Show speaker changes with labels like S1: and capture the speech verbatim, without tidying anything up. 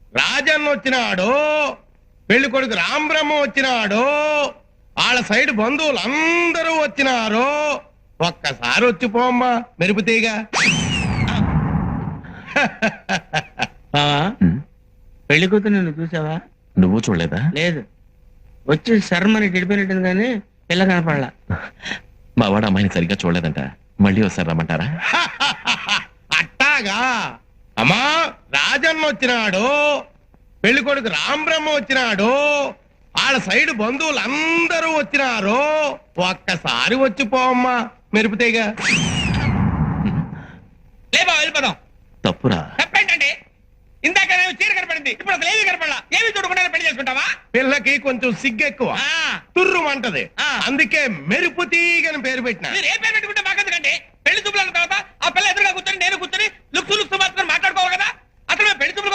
S1: రాజన్న వచ్చినాడు, పెళ్లి కొడుకు రాంబ్రహ్మ వచ్చినాడు, వాళ్ళ సైడ్ బంధువులు అందరూ వచ్చినారు. ఒక్కసారి వచ్చి పోమ్మా మెరుపుతీగా.
S2: పెళ్లి కూతురు నిన్ను చూసావా?
S3: నువ్వు చూడలేదా?
S2: లేదు, వచ్చి శర్మని గడిపినట్టుంది కానీ పిల్ల కనపడలా.
S3: మా వాడు అమ్మాయిని సరిగ్గా చూడలేదంట, మళ్ళీ ఒకసారి రమ్మంటారా?
S1: అట్టాగా అమ్మా, రాజన్న వచ్చినాడు, పెళ్లి కొడుకు రాంబ్రహ్మ వచ్చినాడు, వాళ్ళ సైడ్ బంధువులు అందరూ వచ్చినారు. ఒక్కసారి వచ్చి పోమ్మా మెరుపుతీగా.
S4: లేబా వెళ్ళిపోదాం.
S3: తప్పురా.
S4: తప్పేంటండి? ఇందాక చీర కనపడింది, ఇప్పుడు అసలు ఏమీ కనపడలా. ఏమి చూడకుండా పెళ్లి చేసుకుంటావా?
S1: పిల్లకి కొంచెం సిగ్గెక్కువ, తుర్రు అంటది, అందుకే మెరుపుతీగని పేరు పెట్టిన.
S4: మీరు ఏ పేరు పెట్టుకుంటే మాకెందుకండి? పెళ్లి చూపుల తర్వాత ఆ పిల్ల ఎదురుగా కూర్చొని నేను కూర్చొని లుక్స్ లుక్స్ మాత్రం మాట్లాడుకోవాలి కదా. అసలు పెళ్లి చూపులు